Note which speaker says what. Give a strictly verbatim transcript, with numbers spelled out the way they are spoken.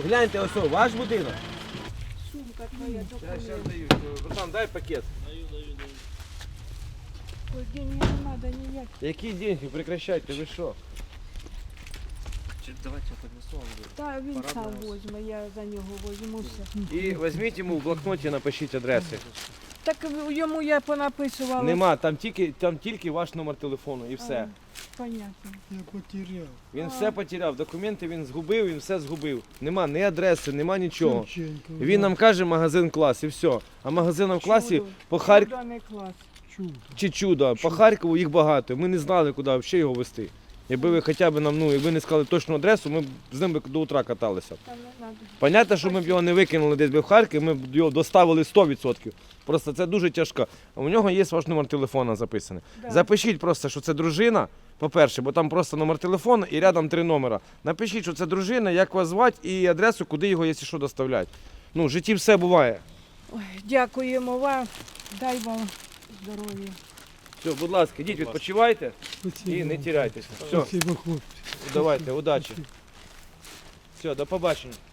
Speaker 1: Гляньте, ось, о, ваш будинок.
Speaker 2: Сумка твоя,
Speaker 1: Зараз, зараз
Speaker 2: документ.
Speaker 1: даю. Братан, дай пакет.
Speaker 2: Ой, денег не треба ніяк.
Speaker 1: Які деньги? Прекращайте, ви що?
Speaker 3: Давайте я поднесу вам.
Speaker 2: Та він
Speaker 3: Пора
Speaker 2: сам
Speaker 3: брати.
Speaker 2: возьме, я за нього возьму все.
Speaker 1: І візьміть йому в блокноті, напишіть адреси.
Speaker 2: Так йому я понаписувала.
Speaker 1: Нема, там тільки, там тільки ваш номер телефону і все.
Speaker 2: А, понятно.
Speaker 4: Я потеряв.
Speaker 1: Він
Speaker 2: А.
Speaker 1: все потеряв, документи він згубив, він все згубив. Нема ні адреси, нема нічого.
Speaker 4: Шевченко.
Speaker 1: Він нам каже магазин клас і все. А магазином в класі
Speaker 2: Чудо.
Speaker 1: по Харкову
Speaker 2: Чудо не клас.
Speaker 4: Чудо.
Speaker 1: чи чудо, по Харкову їх багато. Ми не знали, куди взагалі його везти. Якби ви хоча б нам, ну, якби не сказали точну адресу, ми б з ним би до утра каталися.
Speaker 2: Там не надо.
Speaker 1: Понятно, що ми б його не викинули десь би в Харків, ми б його доставили сто відсотків. Просто це дуже тяжко. А у нього є ваш номер телефону записаний.
Speaker 2: Да.
Speaker 1: Запишіть просто, що це дружина, по-перше, бо там просто номер телефону і рядом три номера. Напишіть, що це дружина, як вас звати і адресу, куди його, якщо що, доставляти. Ну, в житті все буває.
Speaker 2: Ой, дякуємо вам. Дай вам здоров'я.
Speaker 1: Все, будь ласка, йдіть,
Speaker 3: Будь ласка.
Speaker 1: відпочивайте
Speaker 4: Спасибо.
Speaker 1: і не тіряйтеся. Все,
Speaker 4: Спасибо, хлопці.
Speaker 1: давайте, удачі. Все, до побачення.